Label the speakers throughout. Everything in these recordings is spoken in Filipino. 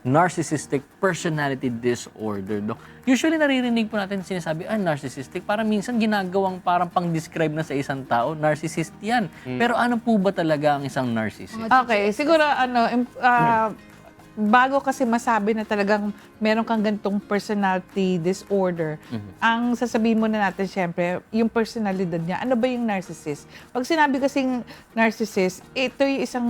Speaker 1: narcissistic personality disorder, Dok. Usually naririnig po natin sinasabi, narcissistic. Parang minsan ginagawang parang pang-describe na sa isang tao, narcissist yan. Pero ano po ba talaga ang isang narcissist?
Speaker 2: Okay, siguro bago kasi masabi na talagang meron kang ganitong personality disorder, ang sasabihin muna natin syempre, yung personalidad niya, ano ba yung narcissist? Pag sinabi kasing narcissist, ito yung isang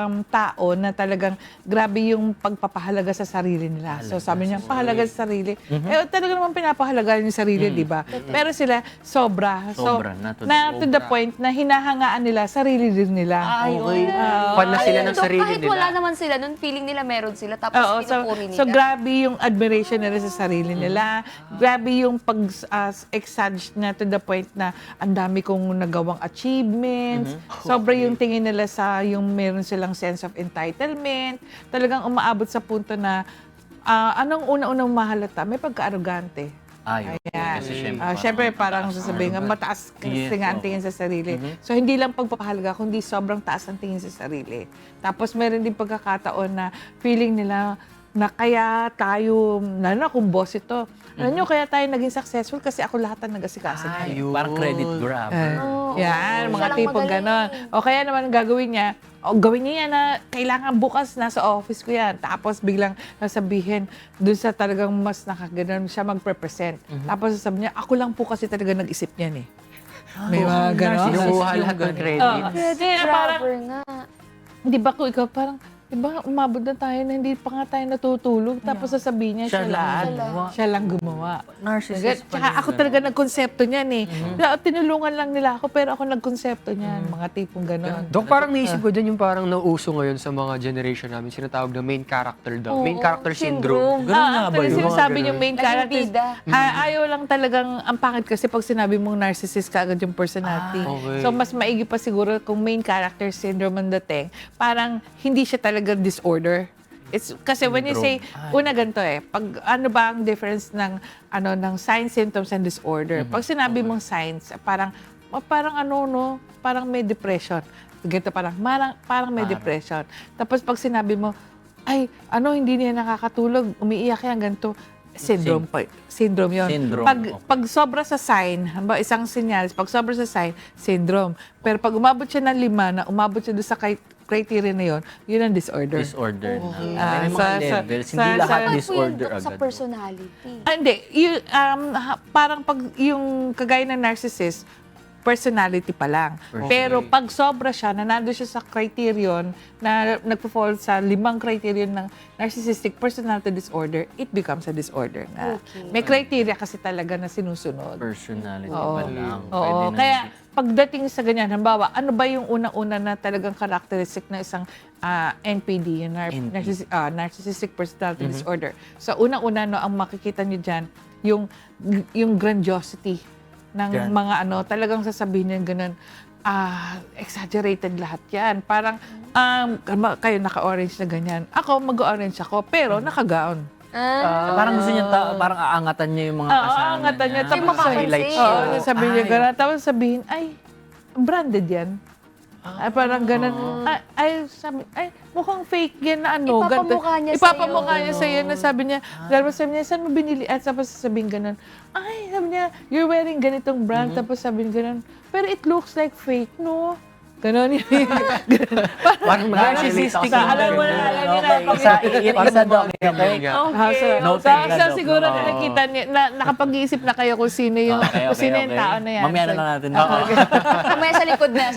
Speaker 2: tao na talagang grabe yung pagpapahalaga sa sarili nila. So sabi niya, pahalaga sa sarili. Talaga naman pinapahalaga yung sarili, di ba? Pero sila, sobra.
Speaker 1: Sobra,
Speaker 2: na to the point na hinahangaan nila, sarili din nila.
Speaker 3: Okay. Fan na sila ng sarili
Speaker 4: kahit
Speaker 3: nila.
Speaker 4: wala naman sila, nun feeling nila meron sila, tapos pinupuri nila.
Speaker 2: So grabe yung admiration nila sa sarili nila. Grabe yung pag-exage na to the point na ang dami kong nagawang achievements. Sobra yung tingin nila sa yung meron silang sense of entitlement. Talagang umaabot sa punto na anong una-unang mahalata? May pagka-arrogante.
Speaker 1: Ayan. Kasi
Speaker 2: Siyempre, parang sasabihin nga, mataas kasi nga ang tingin sa sarili. So, hindi lang pagpapahalaga, kundi sobrang taas ang tingin sa sarili. Tapos, meron din pagkakataon na feeling nila na kaya tayo, lalo na kung boss ito, alam nyo, kaya tayo naging successful kasi ako lahat ang nag-asikaso niya.
Speaker 1: Parang credit grab.
Speaker 2: Yan, mga
Speaker 4: Siya lang
Speaker 2: tipong
Speaker 4: magaling.
Speaker 2: gano'n. O kaya naman gagawin niya, gawin niya yan na kailangan bukas nasa office ko yan. Tapos biglang sasabihin, dun sa talagang mas nakaganon siya mag-represent. Tapos sasabihin niya, ako lang po kasi talaga nag-isip niyan eh. May mga gano'n.
Speaker 3: Kinukuha lahat ng credit.
Speaker 2: Parang,
Speaker 4: Grabber nga.
Speaker 2: di ba kung ikaw parang, di ba umabot na tayo na hindi pa nga tayo natutulog. Tapos sasabihin niya, siya lang gumawa.
Speaker 1: Narcissist
Speaker 2: Tsaka ako talaga nagkonsepto niyan eh. Tinulungan lang nila ako pero ako nagkonsepto niyan. Mga tipong gano'n.
Speaker 3: Dok, parang naisip ko dyan yung parang nauso ngayon sa mga generation namin, sinatawag na main character daw. Main character syndrome.
Speaker 1: Ganun nga ba
Speaker 2: Actually,
Speaker 1: yun?
Speaker 2: sinasabi yung main
Speaker 4: Naging
Speaker 2: character.
Speaker 4: bida.
Speaker 2: Ayaw lang talagang, ang pangit kasi pag sinabi mong narcissist ka agad yung personality.
Speaker 3: Okay.
Speaker 2: So, mas maigi pa siguro kung main character syndrome ang dating, parang hindi siya talaga disorder. It's kasi when you say, una ganito pag ano ba ang difference ng signs, symptoms, and disorder? Pag sinabi mong signs, parang parang may depression. Ganito parang may depression. Tapos pag sinabi mo, hindi niya nakakatulog, umiiyak yan, ganito. Syndrome yun.
Speaker 1: Syndrome.
Speaker 2: Pag sobra sa sign, isang senyales, pag sobra sa sign, syndrome. Pero pag umabot siya ng 5, na umabot siya doon sa criteria na yun ang disorder.
Speaker 1: Disorder na. May mga levels. Hindi lahat
Speaker 4: Dapat po yun
Speaker 1: disorder
Speaker 4: sa
Speaker 1: agad.
Speaker 4: personality.
Speaker 2: Hindi. Parang pag yung kagaya ng narcissist, personality pa lang. Pero pag sobra siya, na nando siya sa criterion na nagpo-fall sa 5 criterion ng narcissistic personality disorder, it becomes a disorder na. May criteria kasi talaga na sinusunod.
Speaker 1: Personality pa lang.
Speaker 2: Oo. Kaya pagdating sa ganyan, halimbawa, ano ba yung unang-una na talagang characteristic ng isang NPD, yung narcissistic personality disorder? So, unang-una, ang makikita nyo dyan, yung grandiosity ng mga talagang sasabihin niya ganun, exaggerated lahat yan. Parang, kayo naka-orange na ganyan. Ako, mag-orange ako, pero naka-gown.
Speaker 1: Parang gusto niya, parang aangatan niya yung mga kasama
Speaker 2: Aangatan niya. Tapos
Speaker 4: makapansin.
Speaker 2: sabihin niya gano'n. Tapos sabihin, branded yan. Parang ganun. Mukhang fake yan na
Speaker 4: Ipapamukha niya sa'yo.
Speaker 2: Ipapamukha niya sa'yo na sabi niya, sabi niya, saan mo binili? At tapos sabihin ganun, sabi niya, you're wearing ganitong brand. Tapos sabihin ganun, pero it looks like fake, no? Ganon yun.
Speaker 3: Parang
Speaker 1: narcissistic.
Speaker 2: Alam mo na,
Speaker 1: Isa doc. Okay.
Speaker 2: So siguro na nakita niya, nakapag-iisip na kayo kung sino yung tao na yan.
Speaker 1: Mamaya na lang natin.
Speaker 4: Kamaya sa likod na.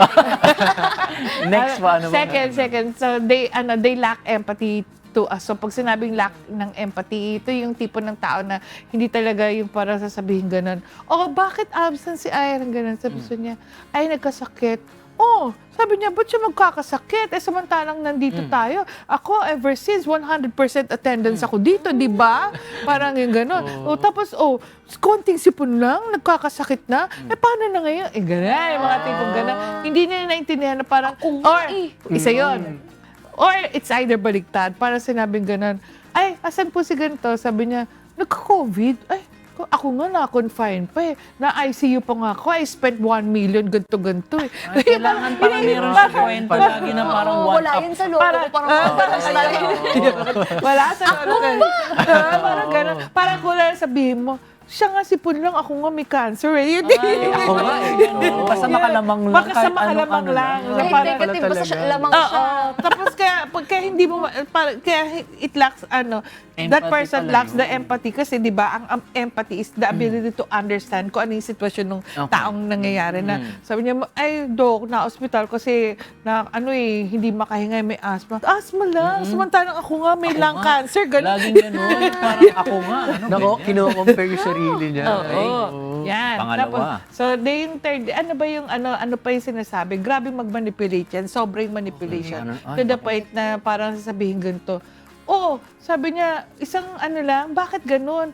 Speaker 1: Next pa, ano ba?
Speaker 2: Second. So they lack empathy to us. So pag sinabing lack ng empathy, ito yung tipo ng tao na hindi talaga yung parang sasabihin ganun. Bakit absent si Iron? Ganun. Sabi niya, nagkasakit. Sabi niya, ba't siya magkakasakit? Samantalang nandito tayo. Ako, ever since, 100% attendance ako dito, di ba? Parang yung gano'n. Tapos, konting sipon lang, nagkakasakit na. Paano na ngayon? Gano'n, yung mga tipong gano'n. Hindi niya naintindihan na parang, isa yon. Or it's either baliktad. Parang sinabing gano'n, asan po si ganito? Sabi niya, nagka-COVID. Ako nga na-confine pa eh. Na-ICU pa nga ako. I spent 1 million ganto-ganto eh.
Speaker 1: Ay, kailangan parang meron sa kwento lagi na parang
Speaker 4: Oo,
Speaker 1: one
Speaker 4: wala
Speaker 1: up.
Speaker 4: yan sa loob ko. Parang
Speaker 2: Wala sa parang gano'n. Parang kung sabihin mo, siya nga sipon lang, ako nga may cancer eh. Yun
Speaker 1: Ako nga eh. Basta makalamang lang.
Speaker 2: Basta
Speaker 1: kahit
Speaker 2: makalamang
Speaker 1: anong-ano
Speaker 2: lang.
Speaker 1: lang.
Speaker 4: kahit
Speaker 2: Parang-
Speaker 4: negative, basta siya, lamang
Speaker 2: Oo.
Speaker 4: siya.
Speaker 2: Tapos kaya hindi mo, kaya it lacks, that
Speaker 1: Empathy
Speaker 2: person
Speaker 1: pala
Speaker 2: lacks
Speaker 1: yun.
Speaker 2: the empathy. Kasi di ba, ang empathy is the ability to understand kung ano yung sitwasyon ng
Speaker 1: Okay.
Speaker 2: taong nangyayari na. Sabi niya, ay, Dok, na-hospital kasi hindi makahinga, may asthma. Asthma lang. Samantalang ako nga, may lung cancer. Ganun.
Speaker 1: Laging gano'n. Parang ako nga. Ano
Speaker 3: Nako,
Speaker 1: ganyan?
Speaker 3: kino-compare yung sarili niya.
Speaker 2: Oo. Yan.
Speaker 1: Pangalawa.
Speaker 2: Tapos, so, yung third, ano ba yung, ano pa yung sinasabi? Grabe mag-manipulate yan. Sobrang manipulation.
Speaker 1: Okay.
Speaker 2: To the point na parang sasabihin ganito, sabi niya, isang bakit ganun?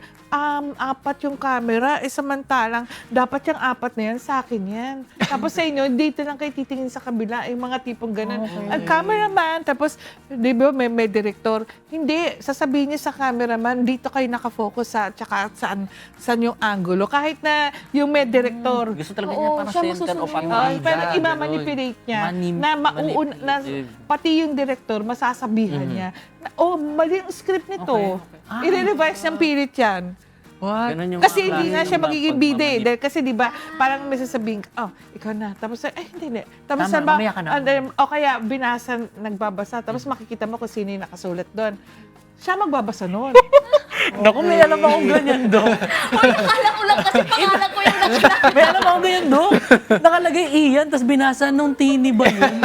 Speaker 2: 4 yung camera, samantalang dapat yung 4 na yan, sa akin yan. Tapos sa inyo, dito lang kayo titingin sa kabila, yung mga tipong ganun. Ang cameraman, tapos, di ba, may director. Hindi, sasabihin niya sa cameraman, dito kayo nakafocus tsaka saan yung angulo. Kahit na yung may director,
Speaker 1: Gusto talaga
Speaker 4: Oo,
Speaker 1: niya parang
Speaker 4: siya
Speaker 1: center of
Speaker 4: masusunod.
Speaker 1: attention.
Speaker 2: parang imamanipulate niya
Speaker 1: Manipulative.
Speaker 2: pati yung director masasabihan niya na, mali ang script nito.
Speaker 1: Okay.
Speaker 2: I-revise ng pilit yan.
Speaker 3: What?
Speaker 1: Ganun yung
Speaker 2: Kasi
Speaker 1: mga
Speaker 2: hindi nga
Speaker 1: klase
Speaker 2: siya
Speaker 1: ng
Speaker 2: magiging bida eh.
Speaker 1: pagmamanip-
Speaker 2: Dahil kasi di ba, parang may sasabihin, ikaw na. Tapos, hindi. Tapos,
Speaker 1: Tama, mamaya ka na.
Speaker 2: o kaya, binasa, nagbabasa. Tapos makikita mo kung sino yung nakasulat doon. Siya magbabasa noon.
Speaker 1: Naku, may alam akong ganyan, Dok.
Speaker 4: Uy, akala ko lang kasi pangalan ko yung nakita.
Speaker 1: May alam akong ganyan, Dok. Nakalagay Ian, tapos binasa nung Tini ba yun?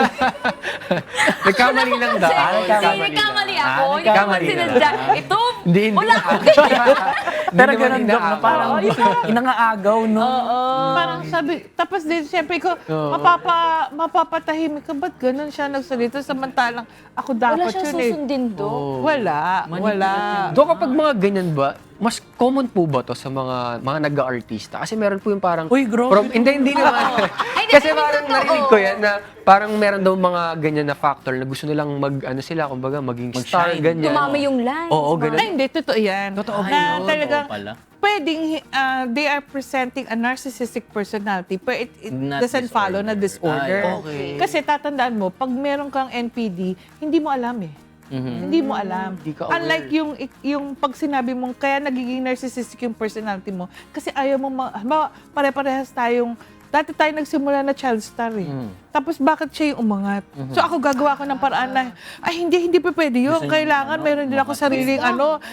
Speaker 3: Nagkamali lang daw.
Speaker 4: Nagkamali ako. Hindi ko
Speaker 3: nagkamali
Speaker 4: man
Speaker 3: lang.
Speaker 4: sinadya. Ito,
Speaker 3: Hindi.
Speaker 4: wala ko.
Speaker 1: Pero
Speaker 3: naman
Speaker 1: ganun, Dok, na
Speaker 3: inaagaw.
Speaker 1: parang inangaagaw, no?
Speaker 2: Parang sabi, tapos din, siyempre ko, mapapatahimik ka, ba't ganun siya nagsalita? Samantalang, ako
Speaker 4: Wala
Speaker 2: dapat
Speaker 4: siyang
Speaker 2: yun eh.
Speaker 4: susundin do.
Speaker 2: Wala.
Speaker 3: Do kapag mga ganyan ba, mas common po ba to sa mga nag-aartista? Kasi meron po yung parang...
Speaker 1: Uy, grabe.
Speaker 3: Hindi naman.
Speaker 4: Ay,
Speaker 3: Kasi
Speaker 4: hindi,
Speaker 3: parang
Speaker 4: totoo.
Speaker 3: narinig ko yan na parang meron daw mga ganyan na factor na gusto nilang kumbaga maging star,
Speaker 1: Mag-shine.
Speaker 3: ganyan.
Speaker 4: Tumama yung line.
Speaker 3: Oo, ganun.
Speaker 2: Ay, hindi, totoo yan.
Speaker 3: Totoo
Speaker 2: na
Speaker 3: yun.
Speaker 2: talagang,
Speaker 1: Oo pala.
Speaker 2: pwedeng they are presenting a narcissistic personality, but it
Speaker 1: Not
Speaker 2: doesn't follow na disorder.
Speaker 1: Ay, okay.
Speaker 2: Kasi tatandaan mo, pag meron kang NPD, hindi mo alam eh. Hindi mo alam.
Speaker 3: Hindi ka aware.
Speaker 2: Unlike yung pag sinabi mong kaya nagiging narcissistic yung personality mo, kasi ayaw mo, pare-parehas tayong, dati tayo nagsimula na child star eh. Tapos bakit siya yung umangat? So ako gagawa ko ng paraan na, hindi pa pwede yun.
Speaker 1: Gusto niyo,
Speaker 2: Kailangan meron din ako sariling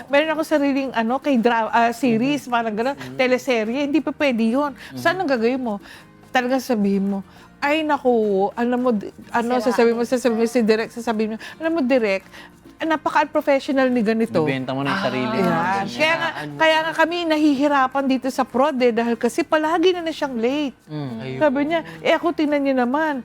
Speaker 2: series, parang gano'n, teleserye. Hindi pa pwede yun. Saan ang gagawin mo? Talagang sabihin mo, ay naku, sasabihin mo si Direk, sasabihin mo, alam mo Direk, napaka-unprofessional ni ganito.
Speaker 1: Bibenta mo na yung sarili mo.
Speaker 2: Ayan. Kaya nga kami nahihirapan dito sa prod dahil kasi palagi na siyang late. Sabi niya, ako tingnan niyo naman,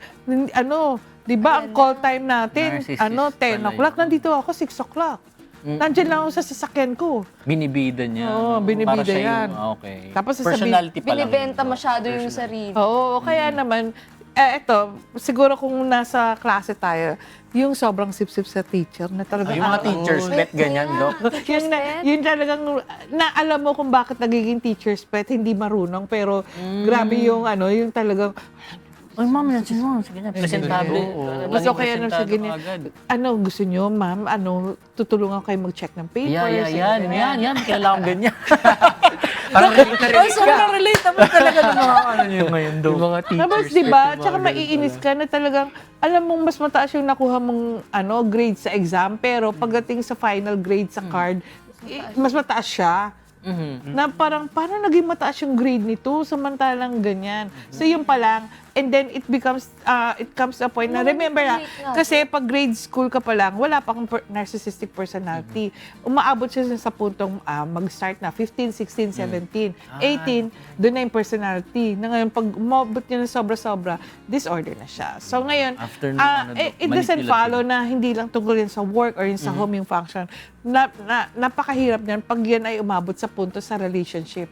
Speaker 2: di ba ang call time natin,
Speaker 1: Narcissist
Speaker 2: 10
Speaker 1: pala
Speaker 2: o'clock,
Speaker 1: yun.
Speaker 2: nandito ako 6 o'clock. Nandiyan lang ako sa sasakyan ko.
Speaker 1: Binibida niya.
Speaker 2: Oo,
Speaker 1: Para
Speaker 2: binibida
Speaker 1: siya
Speaker 2: yan.
Speaker 1: okay.
Speaker 2: Tapos sasabihin-
Speaker 1: Personality pa lang.
Speaker 4: Binibenta masyado yung sarili.
Speaker 2: Oo, kaya naman, eto, siguro kung nasa klase tayo, yung sobrang sip-sip sa teacher na talagang
Speaker 1: Yung mga teachers, pet ganyan, Dok.
Speaker 2: yun talagang na alam mo kung bakit nagiging teacher's pet, hindi marunong, pero grabe yung yung talagang,
Speaker 1: Ay, ma'am, yan si ma'am. Sige na, presentable.
Speaker 2: gusto kaya nang
Speaker 1: Presentado
Speaker 2: sige niya,
Speaker 1: agad.
Speaker 2: gusto nyo, ma'am, tutulungan kayo mag-check ng papers.
Speaker 1: Yan. Kilala akong ganyan.
Speaker 3: Parang
Speaker 1: Ay, sobrang relate naman talaga ng mga nyo ngayon, Dok.
Speaker 3: yung mga teachers.
Speaker 2: Tapos, di ba, tsaka maiinis ka na talagang, alam mong mas mataas yung nakuha mong grade sa exam, pero pagdating sa final grade sa card, mas mataas siya. Na parang, paano naging mataas yung grade nito, samantalang ganyan. So, yung pa lang, and then it comes to a point na, remember na, kasi pag grade school ka pa lang, wala pa kang narcissistic personality. Umaabot siya sa puntong mag-start na 15, 16, 17, 18, doon na yung personality. Na ngayon, pag umabot niya ng sobra-sobra, disorder na siya. So ngayon,
Speaker 1: After ng
Speaker 2: it doesn't
Speaker 1: manipulative.
Speaker 2: follow na hindi lang tungkol yan sa work or yun sa home yung function. Napakahirap niyan pag yan ay umabot sa punto sa relationship.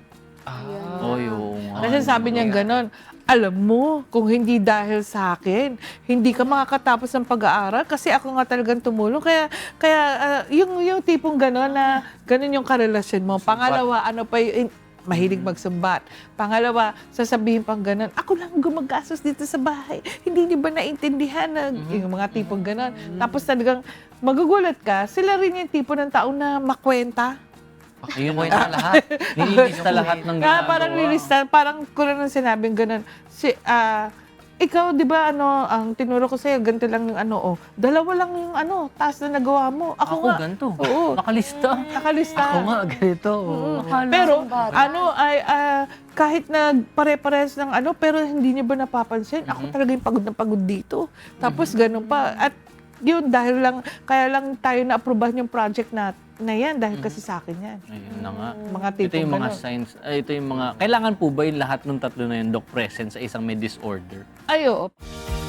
Speaker 1: Oy, oo nga.
Speaker 2: Kasi sabi niya gano'n, alam mo, kung hindi dahil sa akin, hindi ka makakatapos ng pag-aaral kasi ako nga talagang tumulong. Kaya yung tipong gano'n na gano'n yung karelasyon mo. Pangalawa, mahilig magsumbat. Pangalawa, sasabihin pang ganun, ako lang gumagastos dito sa bahay. Hindi niyo ba naintindihan na yung mga tipong ganun? Tapos talagang magugulat ka, sila rin yung tipo ng tao na makwenta.
Speaker 1: Ayun mo na lahat. Nililista lahat ng ginagawa.
Speaker 2: Parang nilista, parang kulang ng sinabing ganun. Ikaw, di ba, ang tinuro ko sa'yo, ganito lang yung dalawa lang yung task na nagawa mo. Ako nga.
Speaker 1: ganito.
Speaker 2: Oo.
Speaker 1: Nakalista.
Speaker 2: Nakalista.
Speaker 3: Ako nga, ganito.
Speaker 2: Pero,
Speaker 4: bata.
Speaker 2: kahit na pare-pares ng pero hindi niyo ba napapansin? Ako talaga yung pagod na pagod dito. Tapos ganun pa. At yun, kaya lang tayo na-aprobahan yung project na yan dahil kasi sa akin yan.
Speaker 1: Ayun na nga.
Speaker 2: Mga
Speaker 1: Ito
Speaker 2: tipong
Speaker 1: yung mga
Speaker 2: ganun.
Speaker 1: signs. Ito yung mga... Kailangan po ba yung lahat ng tatlo na yun, Doc, present sa isang may disorder?
Speaker 2: Ayo.